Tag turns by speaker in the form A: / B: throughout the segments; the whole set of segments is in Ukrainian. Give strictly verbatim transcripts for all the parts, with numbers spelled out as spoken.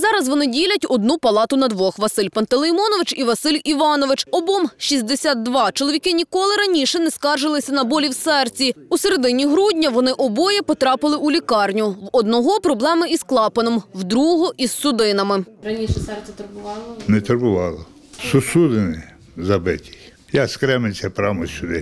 A: Зараз вони ділять одну палату на двох – Василь Пантелеймонович і Василь Іванович. Обом шістдесят два. Чоловіки ніколи раніше не скаржилися на болі в серці. У середині грудня вони обоє потрапили у лікарню. В одного проблеми із клапаном, в другого – із судинами.
B: Раніше серце турбувало?
C: Не турбувало. Сусудини забиті. Я з Кременця прямо сюди.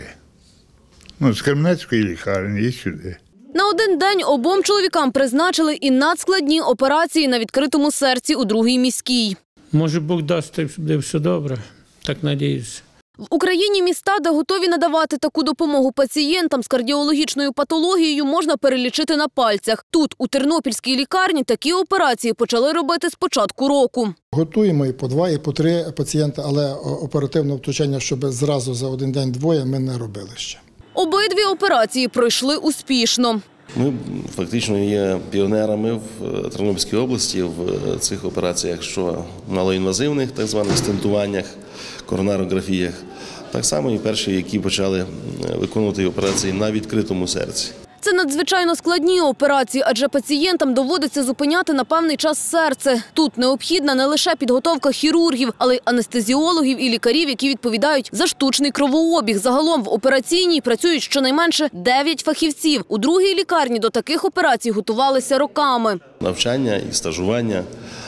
C: Ну, з Кременецької лікарні і сюди.
A: На один день обом чоловікам призначили і надскладні операції на відкритому серці у другій міській.
D: Може, Бог дасть, буде все добре. Так надіюся.
A: В Україні міста, де готові надавати таку допомогу пацієнтам з кардіологічною патологією, можна перелічити на пальцях. Тут, у Тернопільській лікарні, такі операції почали робити з початку року.
E: Готуємо і по два, і по три пацієнти, але оперативного втручання, щоб зразу за один день двоє, ми не робили ще.
A: Обидві операції пройшли успішно.
F: Ми фактично є піонерами в Тернопільській області в цих операціях, що малоінвазивних, так званих стентуваннях, коронарографіях. Так само і перші, які почали виконувати операції на відкритому серці.
A: Це надзвичайно складні операції, адже пацієнтам доводиться зупиняти на певний час серце. Тут необхідна не лише підготовка хірургів, але й анестезіологів і лікарів, які відповідають за штучний кровообіг. Загалом в операційній працюють щонайменше дев'ять фахівців. У другій лікарні до таких операцій готувалися роками.
F: Навчання і стажування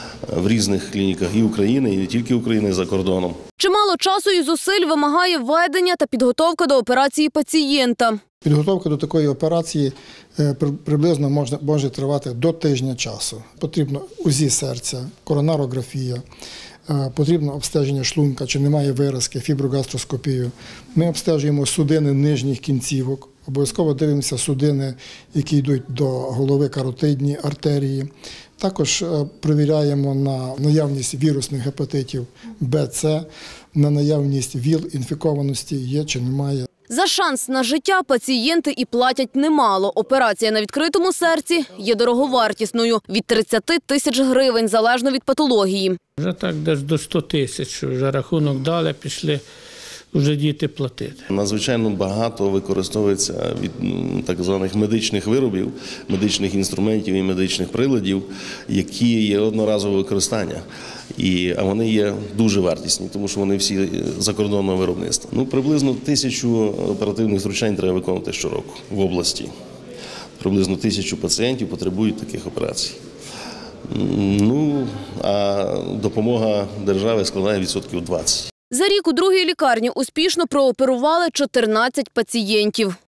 F: в різних клініках і України, і не тільки України, за кордоном.
A: Чимало часу і зусиль вимагає введення та підготовка до операції пацієнта.
E: Підготовка до такої операції приблизно може, може тривати до тижня часу. Потрібно УЗІ серця, коронарографія, потрібно обстеження шлунка, чи немає виразки, фіброгастроскопію. Ми обстежуємо судини нижніх кінцівок, обов'язково дивимося судини, які йдуть до голови, каротидні артерії. Також перевіряємо на наявність вірусних гепатитів Б, С, на наявність ВІЛ-інфікованості є чи немає.
A: За шанс на життя пацієнти і платять немало. Операція на відкритому серці є дороговартісною – від тридцяти тисяч гривень, залежно від патології.
D: Вже так десь до ста тисяч, вже рахунок дали, пішли вже діти платити.
F: Надзвичайно багато використовується від так званих медичних виробів, медичних інструментів і медичних приладів, які є одноразове використання. І, а вони є дуже вартісні, тому що вони всі закордонного виробництва. Ну, приблизно тисячу оперативних втручань треба виконувати щороку в області. Приблизно тисячу пацієнтів потребують таких операцій. Ну, а допомога держави складає відсотків двадцять.
A: За рік у другій лікарні успішно прооперували чотирнадцять пацієнтів.